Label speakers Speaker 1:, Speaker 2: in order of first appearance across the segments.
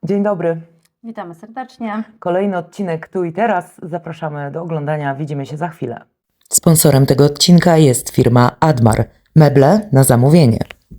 Speaker 1: Dzień dobry.
Speaker 2: Witamy serdecznie.
Speaker 1: Kolejny odcinek Tu i Teraz. Zapraszamy do oglądania. Widzimy się za chwilę.
Speaker 3: Sponsorem tego odcinka jest firma Admar. Meble na zamówienie.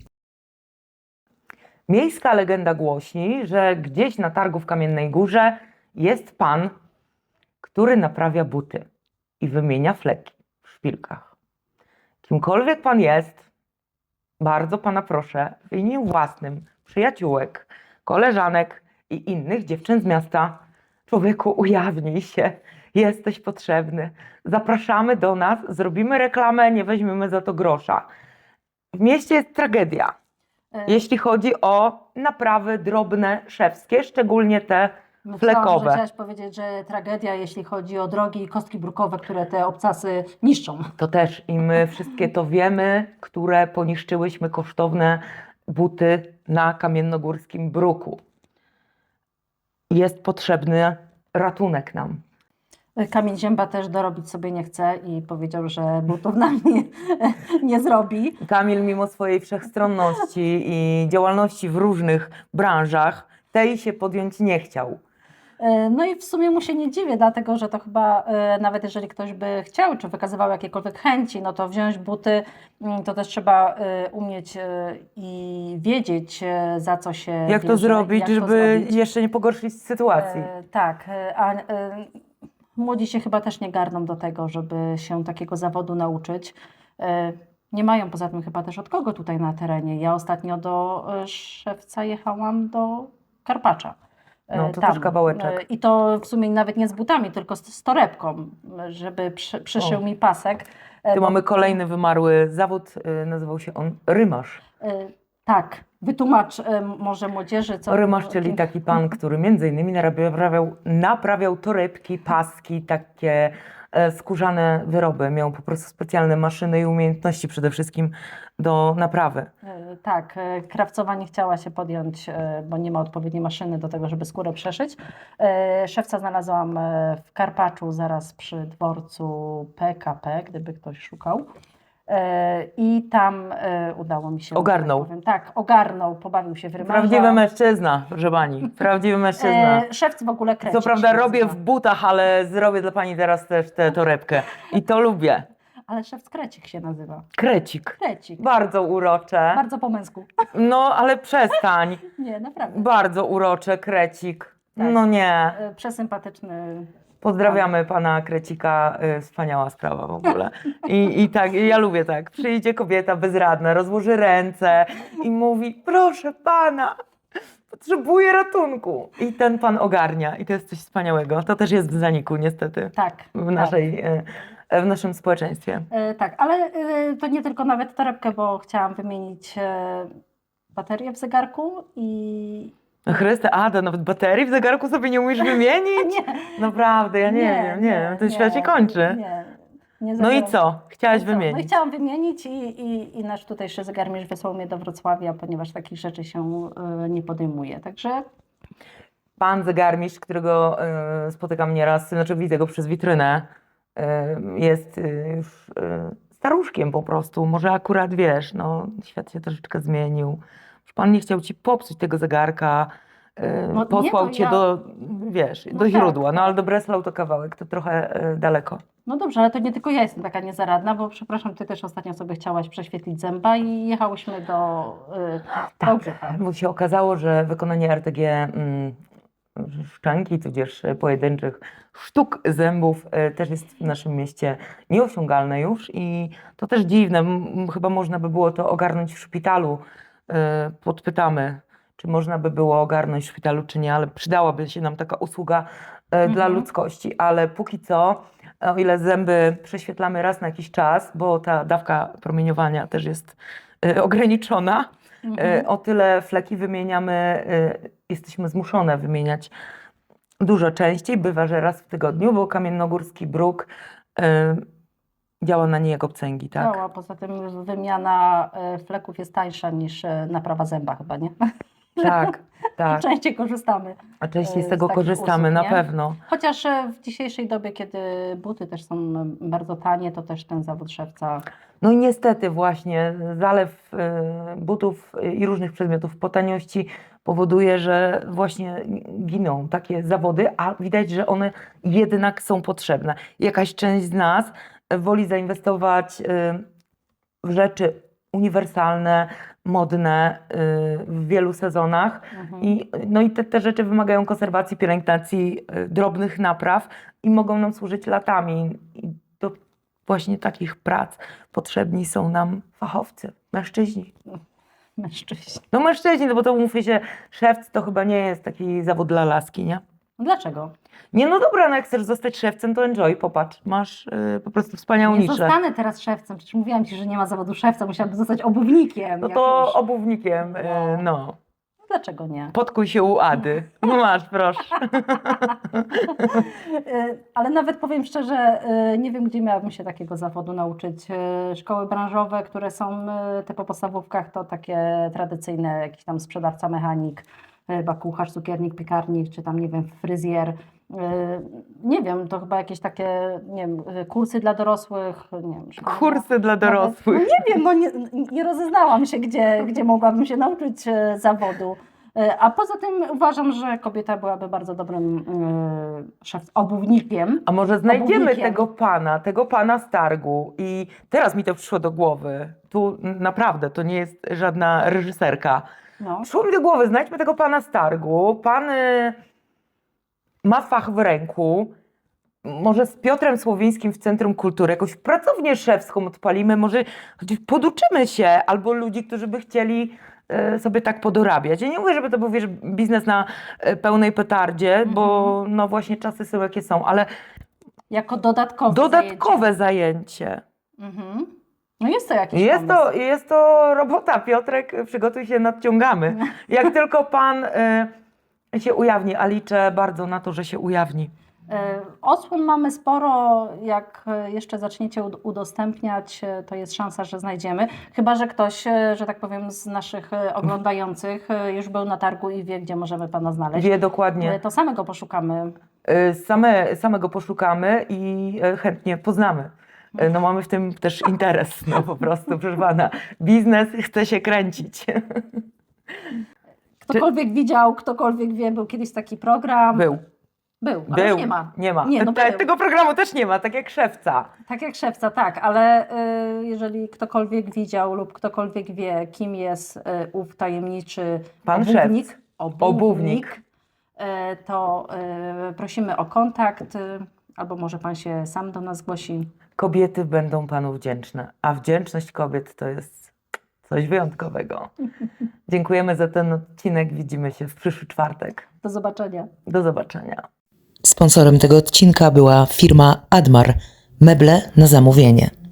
Speaker 1: Miejska legenda głosi, że gdzieś na targu w Kamiennej Górze jest pan, który naprawia buty i wymienia fleki w szpilkach. Kimkolwiek pan jest, bardzo pana proszę, w imieniu własnym, przyjaciółek, koleżanek i innych dziewczyn z miasta, człowieku, ujawnij się, jesteś potrzebny. Zapraszamy do nas, zrobimy reklamę, nie weźmiemy za to grosza. W mieście jest tragedia, jeśli chodzi o naprawy drobne, szewskie, szczególnie te
Speaker 2: Myślałam,
Speaker 1: flekowe.
Speaker 2: że chciałaś powiedzieć, że tragedia, jeśli chodzi o drogi i kostki brukowe, które te obcasy niszczą.
Speaker 1: To też i my wszystkie to wiemy, które poniszczyłyśmy kosztowne buty na kamiennogórskim bruku. Jest potrzebny ratunek nam.
Speaker 2: Kamień Zięba też dorobić sobie nie chce i powiedział, że butów nam nie zrobi.
Speaker 1: Kamil mimo swojej wszechstronności i działalności w różnych branżach tej się podjąć nie chciał.
Speaker 2: No i w sumie mu się nie dziwię, dlatego że to chyba nawet jeżeli ktoś by chciał, czy wykazywał jakiekolwiek chęci, no to wziąć buty, to też trzeba umieć i wiedzieć, za co się
Speaker 1: Jak to
Speaker 2: bierze,
Speaker 1: zrobić,
Speaker 2: jak to
Speaker 1: żeby
Speaker 2: zrobić.
Speaker 1: jeszcze nie pogorszyć sytuacji?
Speaker 2: Tak, młodzi się chyba też nie garną do tego, żeby się takiego zawodu nauczyć. Nie mają poza tym chyba też od kogo tutaj na terenie. Ja ostatnio do Szewca jechałam do Karpacza.
Speaker 1: No, to też kawałeczek.
Speaker 2: I to w sumie nawet nie z butami, tylko z torebką, żeby przyszył mi pasek.
Speaker 1: Tu mamy kolejny wymarły zawód, nazywał się on rymarz.
Speaker 2: Tak, wytłumacz może młodzieży, co...
Speaker 1: Rymarz, czyli taki pan, który między innymi naprawiał torebki, paski, takie skórzane wyroby. Miał po prostu specjalne maszyny i umiejętności przede wszystkim do naprawy.
Speaker 2: Tak, krawcowa nie chciała się podjąć, bo nie ma odpowiedniej maszyny do tego, żeby skórę przeszyć. Szewca znalazłam w Karpaczu, zaraz przy dworcu PKP, gdyby ktoś szukał. I tam udało mi się...
Speaker 1: Ogarnął.
Speaker 2: Tak, powiem, tak, ogarnął, pobawił się w rymarza.
Speaker 1: Prawdziwy mężczyzna, proszę pani. Prawdziwy mężczyzna.
Speaker 2: Szewc w ogóle krecik
Speaker 1: Co prawda
Speaker 2: się
Speaker 1: robię
Speaker 2: nazywa.
Speaker 1: w butach, ale zrobię dla pani teraz też tę torebkę. I to lubię.
Speaker 2: Ale szewc krecik się nazywa.
Speaker 1: Krecik.
Speaker 2: Krecik.
Speaker 1: Bardzo urocze.
Speaker 2: Bardzo po męsku.
Speaker 1: No, ale przestań.
Speaker 2: Nie, naprawdę.
Speaker 1: Bardzo urocze, krecik.
Speaker 2: Tak.
Speaker 1: No nie.
Speaker 2: Przesympatyczny.
Speaker 1: Pozdrawiamy pana Krecika, wspaniała sprawa w ogóle. I tak, ja lubię tak. Przyjdzie kobieta bezradna, rozłoży ręce i mówi: proszę pana, potrzebuję ratunku. I ten pan ogarnia i to jest coś wspaniałego. To też jest w zaniku niestety
Speaker 2: Tak.
Speaker 1: w naszym społeczeństwie.
Speaker 2: Tak, ale to nie tylko nawet torebkę, bo chciałam wymienić baterię w zegarku i...
Speaker 1: Chryste, to nawet baterii w zegarku sobie nie umiesz wymienić?
Speaker 2: Nie,
Speaker 1: Naprawdę, ja nie wiem, ten świat się kończy.
Speaker 2: Nie
Speaker 1: No i
Speaker 2: zabieram-
Speaker 1: co? Chciałaś
Speaker 2: No i co? No i
Speaker 1: wymienić?
Speaker 2: chciałam wymienić i nasz tutejszy zegarmistrz wysłał mnie do Wrocławia, ponieważ takich rzeczy się nie podejmuje. Także
Speaker 1: Pan zegarmistrz, którego spotykam nieraz, znaczy widzę go przez witrynę, jest już staruszkiem po prostu. Może akurat wiesz, no świat się troszeczkę zmienił. Pan nie chciał ci popsuć tego zegarka,
Speaker 2: No
Speaker 1: posłał
Speaker 2: nie, to
Speaker 1: cię
Speaker 2: ja-
Speaker 1: do, wiesz,
Speaker 2: No
Speaker 1: do
Speaker 2: tak,
Speaker 1: źródła, no
Speaker 2: tak.
Speaker 1: ale do Breslau to kawałek, to trochę daleko.
Speaker 2: no dobrze, ale to nie tylko ja jestem taka niezaradna, bo przepraszam, ty też ostatnio sobie chciałaś prześwietlić zęba i jechałyśmy do Wałbrzycha.
Speaker 1: Bo się okazało, że wykonanie RTG szczęki, tudzież pojedynczych sztuk zębów też jest w naszym mieście nieosiągalne już i to też dziwne. Chyba można by było to ogarnąć w szpitalu. Podpytamy, czy można by było ogarnąć w szpitalu, czy nie, ale przydałaby się nam taka usługa dla ludzkości. Ale póki co, o ile zęby prześwietlamy raz na jakiś czas, bo ta dawka promieniowania też jest ograniczona, o tyle fleki wymieniamy, jesteśmy zmuszone wymieniać dużo częściej. Bywa, że raz w tygodniu, bo kamiennogórski bruk działa na nie jak obcęgi, tak?
Speaker 2: No, a poza tym wymiana fleków jest tańsza niż naprawa zęba chyba, nie?
Speaker 1: Tak, tak.
Speaker 2: Częściej korzystamy.
Speaker 1: A częściej z
Speaker 2: z
Speaker 1: tego
Speaker 2: takich
Speaker 1: korzystamy,
Speaker 2: usług,
Speaker 1: na
Speaker 2: nie?
Speaker 1: pewno.
Speaker 2: Chociaż w dzisiejszej dobie, kiedy buty też są bardzo tanie, to też ten zawód szewca...
Speaker 1: No i niestety właśnie zalew butów i różnych przedmiotów po taniości powoduje, że właśnie giną takie zawody, a widać, że one jednak są potrzebne. Jakaś część z nas woli zainwestować w rzeczy uniwersalne, modne w wielu sezonach. No i te rzeczy wymagają konserwacji, pielęgnacji, drobnych napraw i mogą nam służyć latami. I do właśnie takich prac potrzebni są nam fachowcy, mężczyźni.
Speaker 2: Mężczyźni.
Speaker 1: No mężczyźni, no bo to umówmy się, szewc to chyba nie jest taki zawód dla laski, nie?
Speaker 2: Dlaczego?
Speaker 1: Nie, no dobra, no jak chcesz zostać szewcem, to enjoy, popatrz, masz po prostu wspaniałą
Speaker 2: Nie
Speaker 1: niszę.
Speaker 2: zostanę teraz szewcem, przecież mówiłam Ci, że nie ma zawodu szewca, musiałabym zostać obuwnikiem.
Speaker 1: No to
Speaker 2: jakimś.
Speaker 1: obuwnikiem, no.
Speaker 2: Dlaczego nie?
Speaker 1: Podkuj się u Ady. No masz, proszę.
Speaker 2: Ale nawet powiem szczerze, nie wiem, gdzie miałabym się takiego zawodu nauczyć. Szkoły branżowe, które są po podstawówkach, to takie tradycyjne, jakiś tam sprzedawca, mechanik, chyba kucharz, cukiernik, piekarnik, czy tam, nie wiem, fryzjer. Nie wiem, to chyba jakieś takie, nie wiem, kursy dla dorosłych, nie wiem.
Speaker 1: Kursy dla dorosłych.
Speaker 2: No nie wiem, no nie rozeznałam się, gdzie mogłabym się nauczyć zawodu. A poza tym uważam, że kobieta byłaby bardzo dobrym obuwnikiem.
Speaker 1: A może znajdziemy
Speaker 2: Obuwnikiem.
Speaker 1: tego pana z targu i teraz mi to przyszło do głowy. Tu naprawdę, to nie jest żadna reżyserka.
Speaker 2: No.
Speaker 1: Przyszło mi do głowy, znajdźmy tego pana z targu. Pan ma fach w ręku. Może z Piotrem Słowińskim w Centrum Kultury jakąś pracownię szewską odpalimy, może poduczymy się, albo ludzi, którzy by chcieli sobie tak podorabiać. Ja nie mówię, żeby to był, wiesz, biznes na pełnej petardzie, bo no właśnie czasy są jakie są, ale
Speaker 2: Jako dodatkowe
Speaker 1: dodatkowe zajęcie.
Speaker 2: Mhm. No jest to jakiś
Speaker 1: Jest to robota, Piotrek, przygotuj się, nadciągamy. Jak tylko pan się ujawni, a liczę bardzo na to, że się ujawni.
Speaker 2: Odsłon mamy sporo, jak jeszcze zaczniecie udostępniać, to jest szansa, że znajdziemy. Chyba że ktoś, że tak powiem, z naszych oglądających już był na targu i wie, gdzie możemy Pana znaleźć.
Speaker 1: Wie dokładnie.
Speaker 2: To samego poszukamy.
Speaker 1: Samego poszukamy i chętnie poznamy. No mamy w tym też interes, no po prostu, proszę pana. Biznes chce się kręcić.
Speaker 2: Ktokolwiek widział, ktokolwiek wie, był kiedyś taki program.
Speaker 1: Był.
Speaker 2: Ale już nie ma.
Speaker 1: Nie ma.
Speaker 2: Nie, no był.
Speaker 1: Tego programu też nie ma, tak jak szewca.
Speaker 2: Tak jak szewca, tak, ale jeżeli ktokolwiek widział lub ktokolwiek wie, kim jest ów tajemniczy
Speaker 1: Pan
Speaker 2: obuwnik,
Speaker 1: szewc. Obuwnik.
Speaker 2: To prosimy o kontakt, albo może Pan się sam do nas zgłosi.
Speaker 1: Kobiety będą panu wdzięczne, a wdzięczność kobiet to jest coś wyjątkowego. Dziękujemy za ten odcinek, widzimy się w przyszły czwartek.
Speaker 2: Do zobaczenia.
Speaker 1: Do zobaczenia.
Speaker 3: Sponsorem tego odcinka była firma Admar, meble na zamówienie.